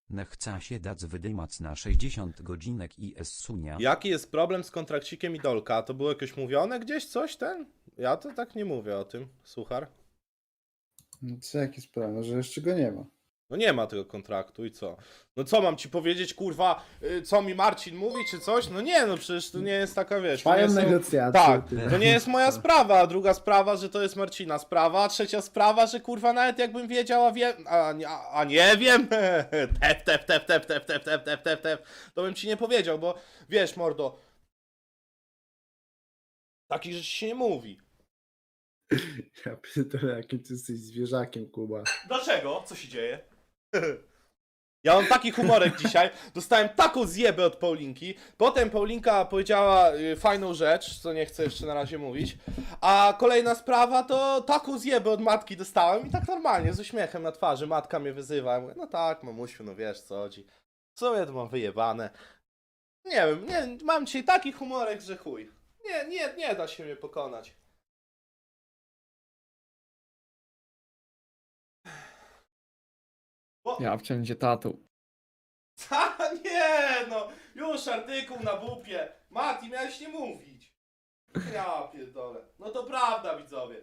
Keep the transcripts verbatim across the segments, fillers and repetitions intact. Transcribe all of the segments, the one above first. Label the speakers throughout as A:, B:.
A: Nie chce się dać wydymać na sześćdziesiąt godzinek i es sunia.
B: Jaki jest problem z kontrakcikiem Idolka? To było jakoś mówione gdzieś coś ten? Ja to tak nie mówię o tym, suchar.
C: No co, jaki sprawa? No, że jeszcze go nie ma.
B: No nie ma tego kontraktu i co? No co mam ci powiedzieć, kurwa, y, co mi Marcin mówi, czy coś? No nie, no przecież to nie jest taka, wiesz... to
C: Trwają
B: nie są-
C: negocjacje.
B: Tak,
C: ty.
B: to nie jest moja sprawa, a druga sprawa, że to jest Marcina sprawa, a trzecia sprawa, że kurwa nawet jakbym wiedział, a wiem, a, nie- a nie wiem, tep, tep, tep, tep, tep, tep, tep, tep, tep, tep, to bym ci nie powiedział, bo wiesz, mordo, takich rzeczy się nie mówi.
C: Ja pierdolę, jakim ty jesteś zwierzakiem, Kuba.
B: Dlaczego? Co się dzieje? Ja mam taki humorek dzisiaj, dostałem taką zjebę od Paulinki, potem Paulinka powiedziała y, fajną rzecz, co nie chcę jeszcze na razie mówić, a kolejna sprawa to taką zjebę od matki dostałem i tak normalnie, z uśmiechem na twarzy, matka mnie wyzywa, ja mówię, no tak mamusiu, no wiesz co chodzi, co ja tu mam wyjebane, nie wiem, nie, mam dzisiaj taki humorek, że chuj, nie, nie, nie da się mnie pokonać. Bo...
D: Ja wciąż tatu.
B: A nie no, już artykuł na bupie. Mati, miałeś nie mówić. Ja pierdolę. No to prawda, widzowie.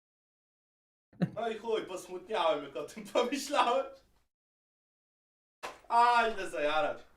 B: No i chuj, posmutniałem jak o tym pomyślałem. A, idę zajarać.